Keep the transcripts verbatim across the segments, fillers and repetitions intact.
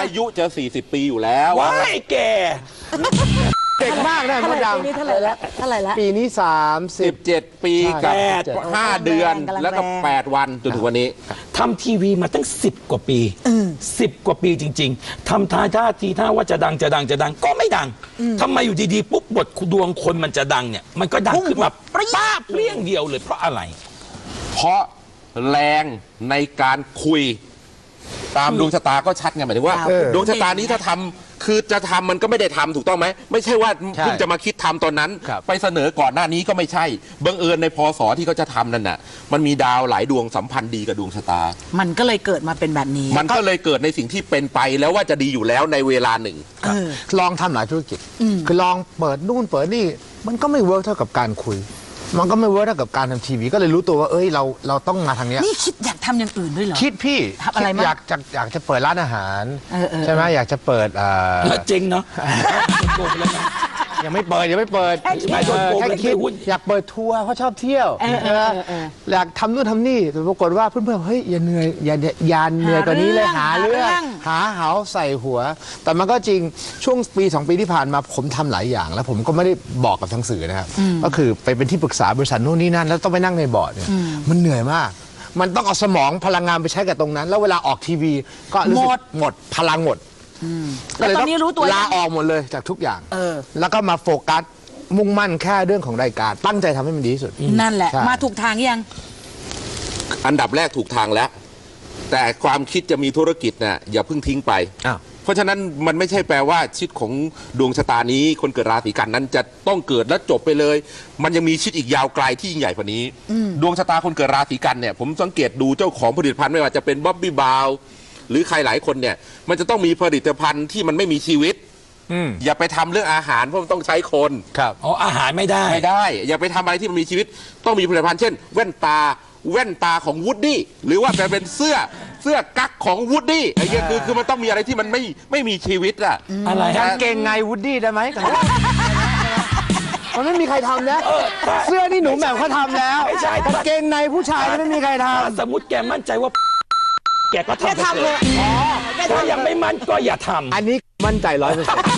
อายุจะสี่สิบปีอยู่แล้วว้ายแกเด็กมากนะมดดำปีนี้เท่าไหร่แล้วเท่าไหร่แล้วปีนี้สามสิบเจ็ดปีกับห้าเดือนแล้วก็แปดวันจนถึงวันนี้ทำทีวีมาตั้งสิบกว่าปีสิบกว่าปีจริงๆทำท่าท่าทีท่าว่าจะดังจะดังจะดังก็ไม่ดังทำไมอยู่ดีๆปุ๊บบทดวงคนมันจะดังเนี่ยมันก็ดังขึ้นมาป้าเปรี้ยงเดียวเลยเพราะอะไรเพราะแรงในการคุยตามดวงชะตาก็ชัดไงหมายถึงว่าดวงชะตานี้ถ้าทำคือจะทำมันก็ไม่ได้ทำถูกต้องไหมไม่ใช่ว่าเพิ่งจะมาคิดทำตอนนั้นไปเสนอก่อนหน้านี้ก็ไม่ใช่บังเอิญในพศที่เขาจะทำนั่นน่ะมันมีดาวหลายดวงสัมพันธ์ดีกับดวงชะตามันก็เลยเกิดมาเป็นแบบนี้มันก็เลยเกิดในสิ่งที่เป็นไปแล้วว่าจะดีอยู่แล้วในเวลาหนึ่งลองทำหลายธุรกิจคือลองเปิดนู่นเปิดนี่มันก็ไม่เวิร์กเท่ากับการคุยมันก็ไม่เวิร์กเท่ากับการทำทีวีก็เลยรู้ตัวว่าเอ้ยเราเราต้องมาทางนี้นี่คิดอยากทำอย่างอื่นด้วยเหรอคิดพี่ทำอะไรมั้ยอยากจะอยากจะเปิดร้านอาหารใช่ไหมอยากจะเปิดอ่าเจ๋งเนาะยังไม่เปิดยังไม่เปิดไม่โดนโกงแค่คิดอยากเปิดทัวร์เพราะชอบเที่ยวอยากทำนู่นทำนี่แต่ปรากฏว่าเพื่อนๆเฮ้ยอย่าเหนื่อยอย่าอย่าเหนื่อยกว่านี้เลยหาเรื่องหาเหาใส่หัวแต่มันก็จริงช่วงปีสองปีที่ผ่านมาผมทำหลายอย่างแล้วผมก็ไม่ได้บอกกับทางสื่อนะครับก็คือไปเป็นที่ปรึกษาบริษัทนู่นนี่นั่นแล้วต้องไปนั่งในบอร์ดเนี่ยมันเหนื่อยมากมันต้องเอาสมองพลังงานไปใช้กับตรงนั้นแล้วเวลาออกทีวีก็รู้สึกหมดพลังหมดแล้วตอนนี้รู้ตัวลาออกหมดเลยจากทุกอย่างแล้วก็มาโฟกัสมุ่งมั่นแค่เรื่องของรายการตั้งใจทำให้มันดีที่สุดนั่นแหละมาถูกทางยังอันดับแรกถูกทางแล้วแต่ความคิดจะมีธุรกิจน่ะอย่าเพิ่งทิ้งไปเพราะฉะนั้นมันไม่ใช่แปลว่าชีวิตของดวงชะตานี้คนเกิดราศีกันนั้นจะต้องเกิดและจบไปเลยมันยังมีชีวิตอีกยาวไกลที่ยิ่งใหญ่กว่านี้ดวงชะตาคนเกิดราศีกันเนี่ยผมสังเกตดูเจ้าของผลิตภัณฑ์ไม่ว่าจะเป็นบ๊อบบี้บาวหรือใครหลายคนเนี่ยมันจะต้องมีผลิตภัณฑ์ที่มันไม่มีชีวิตอย่าไปทำเรื่องอาหารเพราะมันต้องใช้คนครับอ๋ออาหารไม่ได้ไม่ได้อย่าไปทำอะไรที่มันมีชีวิตต้องมีผลิตภัณฑ์เช่นแว่นตาแว่นตาของวูดดี้หรือว่าเป็นเสื้อเสื้อกั๊กของวูดดี้ไอ้เงี้ยคือคือมันต้องมีอะไรที่มันไม่ไม่มีชีวิตอะอะไรกางเกงในวูดดี้ได้ไหมมันไม่มีใครทำนะเสื้อนี่หนูแหม่มเขาทำแล้วไม่ใช่กางเกงในผู้ชายไม่มีใครทำสมมติแกมั่นใจว่าแกก็ทำเลยถ้ายังไม่มั่นก็อย่าทำอันนี้มั่นใจร้อยเปอร์เซ็นต์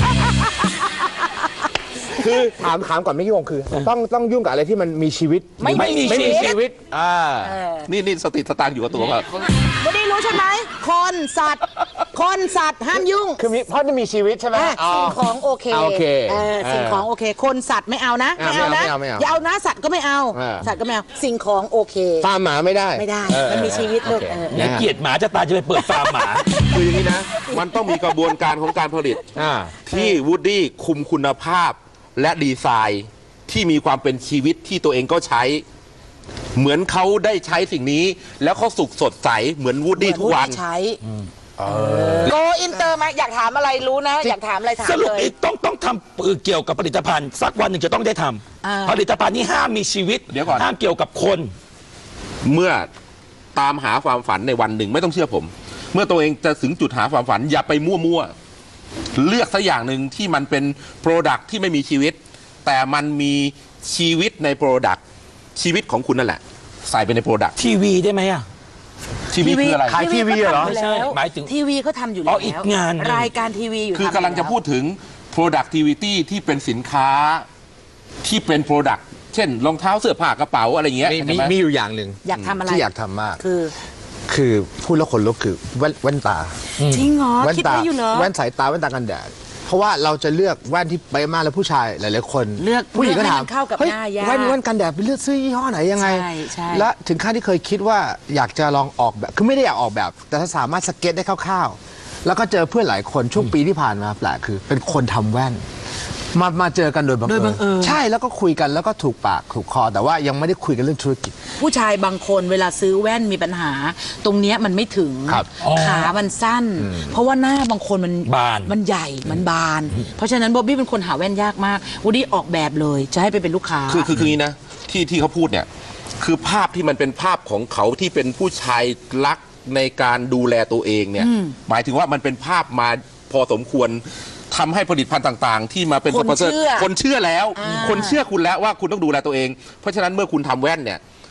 คือถามถามก่อนไม่กี่วงคือต้องต้องยุ่งกับอะไรที่มันมีชีวิตไม่ไม่มีชีวิตอ่านี่นี่สติสตางค์อยู่กับตัวแบบไม่ได้รู้ใช่ไหมคนสัตว์คนสัตว์ห้ามยุ่งคือเพราะจะมีชีวิตใช่ไหมสิ่งของโอเคโอเคสิ่งของโอเคคนสัตว์ไม่เอานะไม่เอานะอย่าเอานะสัตว์ก็ไม่เอาสัตว์ก็ไม่เอาสิ่งของโอเคฟาร์มหมาไม่ได้ไม่ได้มันมีชีวิตลูกเนี่ยเกลียดหมาจะตายจะไปเปิดฟาร์มหมาคืออย่างนี้นะมันต้องมีกระบวนการของการผลิตที่วูดดี้คุมคุณภาพและดีไซน์ที่มีความเป็นชีวิตที่ตัวเองก็ใช้เหมือนเขาได้ใช้สิ่งนี้แล้วเขาสุขสดใสเหมือนวูดดี้ทุกวันใช้โกอินเตอร์ไหมอยากถามอะไรรู้นะอยากถามอะไรถามเลยสรุปต้องต้องทำเกี่ยวกับผลิตภัณฑ์สักวันหนึ่งจะต้องได้ทำผลิตภัณฑ์นี้ห้ามมีชีวิตห้ามเกี่ยวกับคนเมื่อตามหาความฝันในวันหนึ่งไม่ต้องเชื่อผมเมื่อตัวเองจะถึงจุดหาความฝันอย่าไปมั่วๆเลือกสักอย่างหนึ่งที่มันเป็นโปรดักที่ไม่มีชีวิตแต่มันมีชีวิตในโปรดักชีวิตของคุณนั่นแหละใส่ไปในโปรดักทีวีได้ไหมอะทีวีคืออะไรขายทีวีเหรอไม่ใช่หมายถึงทีวีเขาทำอยู่แล้วอีกงานรายการทีวีอยู่คือกำลังจะพูดถึง productivity ที่เป็นสินค้าที่เป็น product เช่นรองเท้าเสื้อผ้ากระเป๋าอะไรเงี้ยมีมีอยู่อย่างหนึ่งอยากทำอะไรที่อยากทำมากคือคือพูดแล้วคนลุกคือแว่นแว่นตาจริงเหรอคิดไว้อยู่เหรอแว่นสายตาแว่นตากันแดดเพราะว่าเราจะเลือกแว่นที่ไปมากแล้วผู้ชายหลายๆคนเลือกผู้หญิงก็ถามเฮ้ยแว่นแว่นกันแดดไปเลือกซื้อยี่ห้อไหนยังไงและถึงขั้นที่เคยคิดว่าอยากจะลองออกแบบคือไม่ได้อยากออกแบบแต่ถ้าสามารถสเก็ตได้คร่าวๆแล้วก็เจอเพื่อนหลายคนช่วงปีที่ผ่านมาแปลกคือเป็นคนทำแว่นมามาเจอกันโดยบังเอิญใช่แล้วก็คุยกันแล้วก็ถูกปากถูกคอแต่ว่ายังไม่ได้คุยกันเรื่องธุรกิจผู้ชายบางคนเวลาซื้อแว่นมีปัญหาตรงเนี้ยมันไม่ถึงขามันสั้นเพราะว่าหน้าบางคนมันบานมันใหญ่มันบานเพราะฉะนั้นบ๊อบบี้เป็นคนหาแว่นยากมากวูดดี้ออกแบบเลยจะให้ไปเป็นลูกค้าคือคือคือนี้นะที่ที่เขาพูดเนี่ยคือภาพที่มันเป็นภาพของเขาที่เป็นผู้ชายรักในการดูแลตัวเองเนี่ยหมายถึงว่ามันเป็นภาพมาพอสมควรทำให้ผลิตภัณฑ์ต่างๆที่มาเป็นสปอนเซอร์คนเชื่อแล้วคนเชื่อคุณแล้วว่าคุณต้องดูแลตัวเองเพราะฉะนั้นเมื่อคุณทำแว่นเนี่ย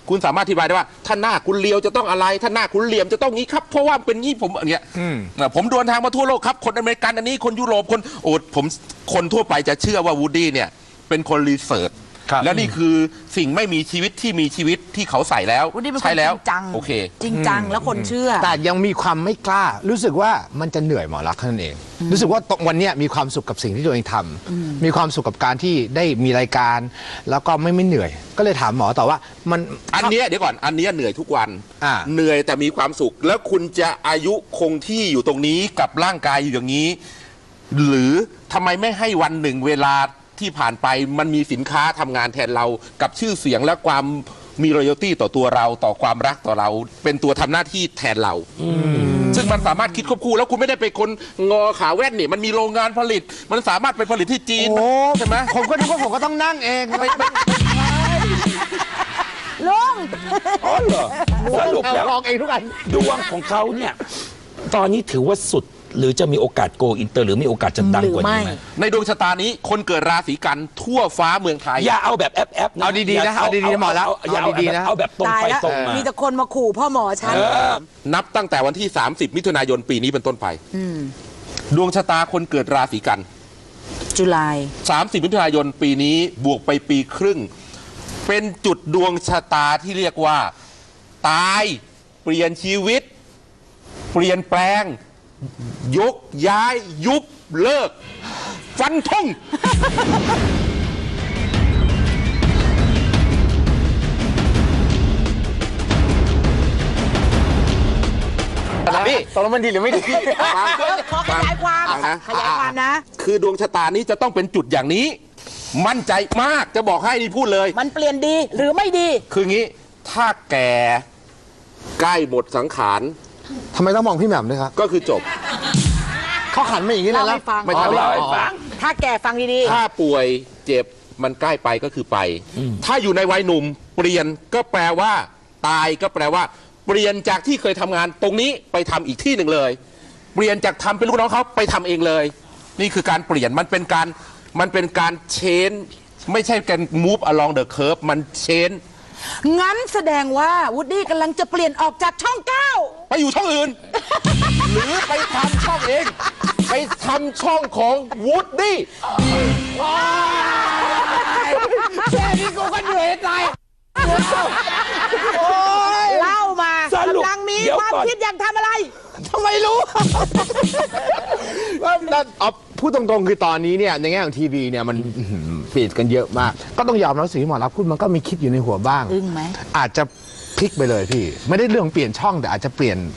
คุณสามารถอธิบายได้ว่าถ้าหน้าคุณเลียวจะต้องอะไรถ้าหน้าคุณเหลี่ยมจะต้องงี้ครับเพราะว่าเป็นงี้ผมอย่างเงี้ยผมเดินทางมาทั่วโลกครับคนอเมริกันอันนี้คนยุโรปคนโอ้ผมคนทั่วไปจะเชื่อว่าวูดดี้เนี่ยเป็นคนรีเสิร์ชและนี่คือสิ่งไม่มีชีวิตที่มีชีวิตที่เขาใส่แล้ววูดดี้เป็นคนใช่แล้วจริงจังโอเคจริงจังแล้วคนเชื่อแต่ยังมีความไม่กล้า รู้สึกว่ามันจะเหนื่อยหมอรักษณ์เท่านั้นเอง รู้สึกว่าตรงวันเนี้ยมีความสุขกับสิ่งที่ตัวเองทำมีความสุขกับการที่ได้มีรายการ แล้วก็ไม่ไม่เหนื่อย ก็เลยถามหมอต่อว่ามันอันเนี้ยเดี๋ยวก่อนอันเนี้ยเหนื่อยทุกวันอ่าเหนื่อยแต่มีความสุข แล้วคุณจะอายุคงที่อยู่ตรงนี้กับร่างกายอยู่อย่างนี้ หรือทำไมไม่ให้วันหนึ่งเวลาที่ผ่านไปมันมีสินค้าทำงานแทนเรากับชื่อเสียงและความมีรอยัลตี้ต่อตัวเราต่อความรักต่อเรา เป็นตัวทำหน้าที่แทนเราซึ่งมันสามารถคิดควบคู่แล้วคุณไม่ได้เป็นคนงอขาแว่นนี่มันมีโรงงานผลิต มันสามารถไปผลิตที่จีนโอ้ใช่ไหมผมก็นึกว่าผมก็ต้องนั่งเองไม่ไม่ลุงอ๋อเหรอสรุปแล้วลองเองทุกอันดวงของเขาเนี่ยตอนนี้ถือว่าสุดหรือจะมีโอกาสโกอินเตอร์หรือมีโอกาสจะดังกว่านี้ไหมในดวงชะตานี้คนเกิดราศีกันทั่วฟ้าเมืองไทยอย่าเอาแบบแอปแอปเอาดีๆนะเอาดีๆนะหมอแล้วอย่าเอาเอาดีๆนะเอาแบบตรงตายไปแล้วตรงมามีแต่คนมาขู่พ่อหมอฉันเออนับตั้งแต่วันที่ สามสิบ มิถุนายนปีนี้เป็นต้นไปดวงชะตาคนเกิดราศีกันจุลายสามสิบ มิถุนายนปีนี้บวกไปปีครึ่ง เป็นจุดดวงชะตาที่เรียกว่า ตายเปลี่ยนชีวิต เปลี่ยนแปลง ยกย้ายยุบเลิก ฟันธงพี่ตกลงมันดีหรือไม่ดีขอขยายความฟังนะขยายความนะคือดวงชะตานี้จะต้องเป็นจุดอย่างนี้ มั่นใจมากจะบอกให้นี่พูดเลยมันเปลี่ยนดีหรือไม่ดีคืองี้ถ้าแก่ใกล้หมดสังขารทำไมต้องมองพี่แหม่มด้วยครับก็คือจบเขาขันมาอย่างนี้เลยเล่าแล้วให้ฟังไม่ทันเล่าให้ฟังถ้าแกฟังดีถ้าป่วยเจ็บมันใกล้ไปก็คือไป ถ้าอยู่ในวัยหนุ่ม เปลี่ยนก็แปลว่า ตายก็แปลว่า เปลี่ยนจากที่เคยทำงานตรงนี้ไปทำอีกที่หนึ่งเลย เปลี่ยนจากทำเป็นลูกน้องเขาไปทำเองเลย นี่คือการเปลี่ยนมันเป็นการมันเป็นการเชนไม่ใช่การ move along the curve มันเชนๆ งั้นแสดงว่าวูดดี้กำลังจะเปลี่ยนออกจากช่องเก้าไปอยู่ช่องอื่น หรือไปทำช่องเอง ไปทำช่องของวูดดี้แค่นี้กูก็เหนื่อยตายเล่ามาสรุปกำลังมีเดี๋ยวความก่อนคิดอยากทำอะไรทำไมรู้ ว่าเอาพูดตรงๆคือตอนนี้เนี่ยในแง่ของทีวีเนี่ยมันอื้อหือเปลี่ยนกันเยอะมาก ก็ต้องยอมรับสิ่งที่หมอรับพูดมันก็มีคิดอยู่ในหัวบ้างอึ้งไหมอาจจะพลิกไปเลยพี่ ไม่ได้เรื่องเปลี่ยนช่องแต่อาจจะเปลี่ยน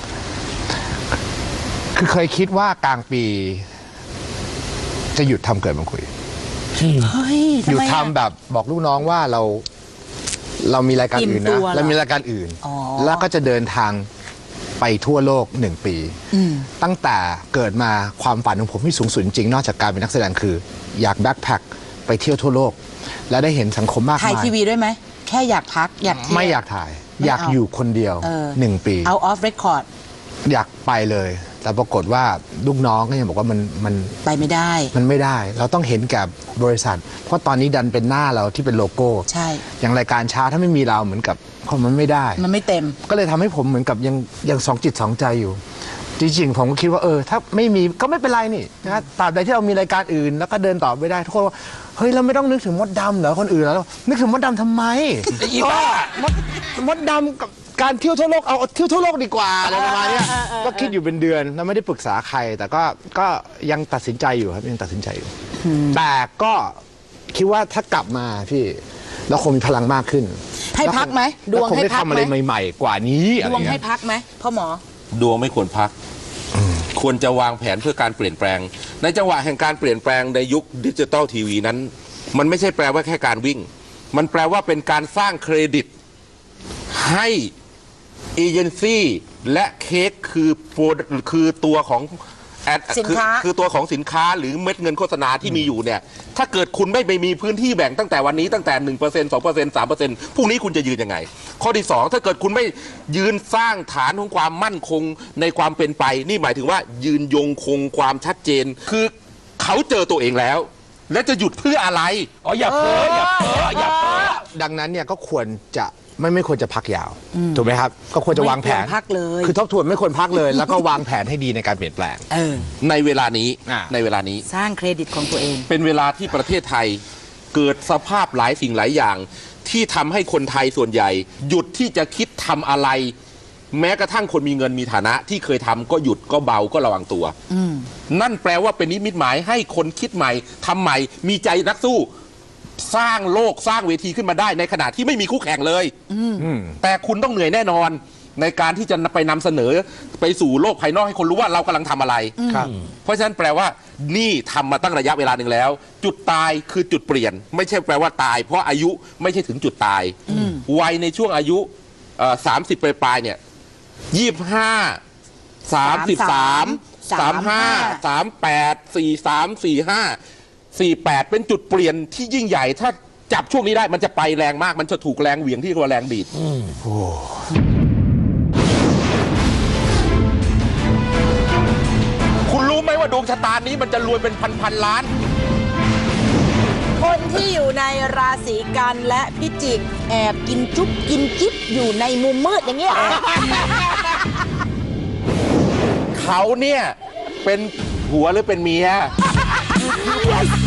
คือเคยคิดว่ากลางปี จะหยุดทำเกิดมาคุยเฮ้ยหยุดทำไมอะทำแบบบอกลูกน้องว่าเรา เรามีรายการอื่นอิ่มตันะวเหรอเรามีรายการอื่นอ๋อแล้วก็จะเดินทางไปทั่วโลกหนึ่งปี ตั้งแต่เกิดมาความฝันของผมที่สูงสุดจริงๆนอกจากการเป็นนักแสดงคือ อยากแบ็คแพคไปเที่ยวทั่วโลก และได้เห็นสังคมมากถ่ายมายทีวีด้วยไหม แค่อยากพักอยากเที่ยวไม่อยากถ่ายไม่เอาอยากอยู่คนเดียวเออหนึ่งปีเอาออฟเรคคอร์ดอยากไปเลย แต่ปรากฏว่าลูกน้องก็ยังบอกว่ามันมันไปไม่ได้มันไม่ได้ เราต้องเห็นกับบริษัท เพราะตอนนี้ดันเป็นหน้าเราที่เป็นโลโก้ใช่อย่างรายการเช้าถ้าไม่มีเราเหมือนกับคนมันไม่ได้มันไม่เต็มก็เลยทำให้ผมเหมือนกับยังยังสองจิตสองใจอยู่ จริงๆผมก็คิดว่าเออถ้าไม่มีก็ไม่เป็นไรนี่นะตราบใดที่เรามีรายการอื่น แล้วก็เดินต่อไปได้ทุกคนว่าเฮ้ยเราไม่ต้องนึกถึงมดดำเหรอคนอื่นแล้วนึกถึงมดดำทำไมอีบ้ามดมดดำกับการเที่ยวทั่วโลกเอาเที่ยวทั่วโลกดีกว่าอะไรประมาณเนี้ยก็คิดอยู่เป็นเดือนแล้วไม่ได้ปรึกษาใคร แต่ก็ก็ยังตัดสินใจอยู่ครับยังตัดสินใจอยู่แต่ก็คิดว่าถ้ากลับมาพี่เราคงมีพลังมากขึ้นให้พักไหมดวงแล้คงให้ได้พักทำไหอะมไรใหม่ ๆ กว่านี้อะดไรวงเงี้ให้ยพักไหมพ่อหมอดวงไม่ควรพัก ควรจะวางแผนเพื่อการเปลี่ยนแปลง ในจังหวะแห่งการเปลี่ยนแปลงในยุคดิจิตอลทีวีนั้น มันไม่ใช่แปลว่าแค่การวิ่ง มันแปลว่าเป็นการสร้างเครดิต ให้เอเจนซี่และเค้กคือโปรคือตัวของแอดสินค้าอคือตัวของสินค้าหรือเม็ดเงินโฆษณาที่มีอยู่เนี่ย ถ้าเกิดคุณไม่ไปมีพื้นที่แบ่งตั้งแต่วันนี้ตั้งแต่ หนึ่งเปอร์เซ็นต์ สองเปอร์เซ็นต์ สามเปอร์เซ็นต์ พรุ่งนี้คุณจะยืนยังไง ข้อที่สองถ้าเกิดคุณไม่ยืนสร้างฐานของความมั่นคงในความเป็นไป นี่หมายถึงว่ายืนยงคงความชัดเจน คือเขาเจอตัวเองแล้ว และจะหยุดเพื่ออะไรอ๋ออย่าเพ้ออย่าเพ้ออย่าเพ้อดังนั้นเนี่ยก็ควรจะไม่ไม่ควรจะพักยาวถูกไหมครับก็ควรจะวางแผนไม่ควรพักเลยคือทบทวนไม่ควรพักเลย แล้วก็วางแผนให้ดีในการเปลี่ยนแปลงเออในเวลานี้อ่าในเวลานี้สร้างเครดิตของตัวเองเป็นเวลาที่ประเทศไทยเกิดสภาพหลายสิ่งหลายอย่าง ที่ทำให้คนไทยส่วนใหญ่ หยุดที่จะคิดทำอะไร แม้กระทั่งคนมีเงินมีฐานะที่เคยทำก็หยุดก็เบาก็ระวังตัวนั่นแปลว่าเป็นนิมิตหมายให้คนคิดใหม่ทำใหม่ มีใจนักสู้ สร้างโลกสร้างเวทีขึ้นมาได้ในขณะที่ไม่มีคู่แข่งเลยแต่คุณต้องเหนื่อยแน่นอน ในการที่จะไปนำเสนอไปสู่โลกภายนอกให้คนรู้ว่าเรากำลังทำอะไรครับเพราะฉะนั้นแปลว่านี่ทำมาตั้งระยะเวลาหนึ่งแล้ว จุดตายคือจุดเปลี่ยน ไม่ใช่แปลว่าตาย เพราะอายุไม่ใช่ถึงจุดตายวัยในช่วงอายุสามสิบปลายๆเนี่ยยี่สิบห้าสามสิบสามสามห้าสามแปดสี่สามสี่ห้าสี่แปดเป็นจุดเปลี่ยนที่ยิ่งใหญ่ถ้าจับช่วงนี้ได้มันจะไปแรงมากมันจะถูกแรงเหวี่ยงที่เรียกว่าแรงดีดคุณรู้ไหมว่าดวงชะตานี้มันจะรวยเป็นพันพันล้านคนที่อยู่ในราศีกันและพิจิกแอบกินจุ๊บกินจิ๊บอยู่ในมุมมืดอย่างเงี้ยเขาเนี่ยเป็นผัวหรือเป็นเมีย Yes